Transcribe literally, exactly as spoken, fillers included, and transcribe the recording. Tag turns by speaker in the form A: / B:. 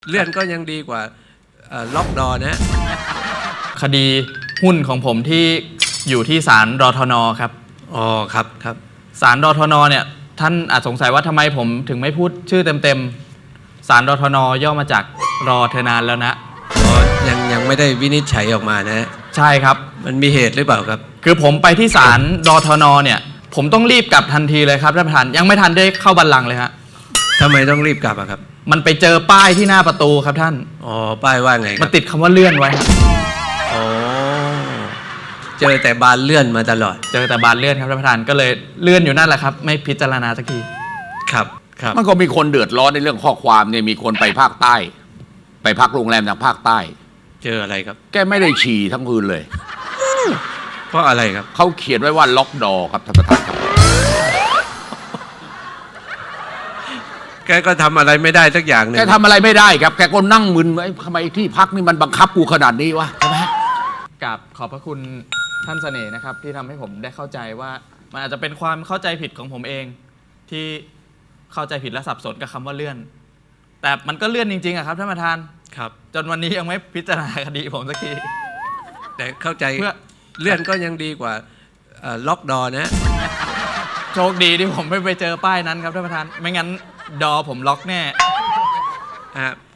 A: เลื่อนก็ยังดีกว่าล็อกดอนะ
B: คดีหุ้นของผมที่อยู่ที่ศาลรทนครับ
A: อ๋อครับครับ
B: ศาลรทนเนี่ยท่านอาจสงสัยว่าทำไมผมถึงไม่พูดชื่อเต็มๆศาลรทนย่อมาจากรอเธอนานแล้วนะ
A: อ๋อยังยังไม่ได้วินิจฉัยออกมานะ
B: ใช่ครับ
A: มันมีเหตุหรือเปล่าครับ
B: คือผมไปที่ศาลรทนเนี่ยผมต้องรีบกลับทันทีเลยครับท่านประธานยังไม่ทันได้เข้าบัลลังก์เลยฮะ
A: ทำไมต้องรีบกลับอะครับ
B: มันไปเจอป้ายที่หน้าประตูครับท่าน
A: อ๋อป้ายว่าไง
B: มันติดคำว่าเลื่อนไว้
A: อ๋อเจอแต่บานเลื่อนมาตลอด
B: เจอแต่บานเลื่อนครับท่านประธานก็เลยเลื่อนอยู่นั่นแหละครับไม่พิจารณาสักที
A: ครับครับ
C: มันก็มีคนเดือดร้อนในเรื่องข้อความเนี่ยมีคนไปภาคใต้ไปพักโรงแรมทางภาคใต้
A: เจออะไรครับ
C: แกไม่ได้ฉี่ทั้งคืนเลย
A: เพราะอะไรครับ
C: เขาเขียนไว้ว่าล็อกดอครับท่านประธานครับ
A: แกก็ทำอะไรไม่ได้สักอย่างนึง
C: แกทำอะไรไม่ได้ครับแกก็นั่งมึนไว้ทำไมที่พักนี่มันบังคับกูขนาดนี้วะใช่ไหม
B: กับขอบพระคุณท่านเสน่ห์นะครับที่ทำให้ผมได้เข้าใจว่ามันอาจจะเป็นความเข้าใจผิดของผมเองที่เข้าใจผิดและสับสนกับคำว่าเลื่อนแต่มันก็เลื่อนจริงๆอะครับท่านประธาน
A: ครับ
B: จนวันนี้ยังไม่พิจารณาคดีผมสักที
A: แต่เข้าใจเพื่อเลื่อนก็ยังดีกว่าล็อกดอนะ
B: โชคดีที่ผมไม่ไปเจอป้ายนั้นครับท่านประธานไม่งั้นดอผมล็อกแน่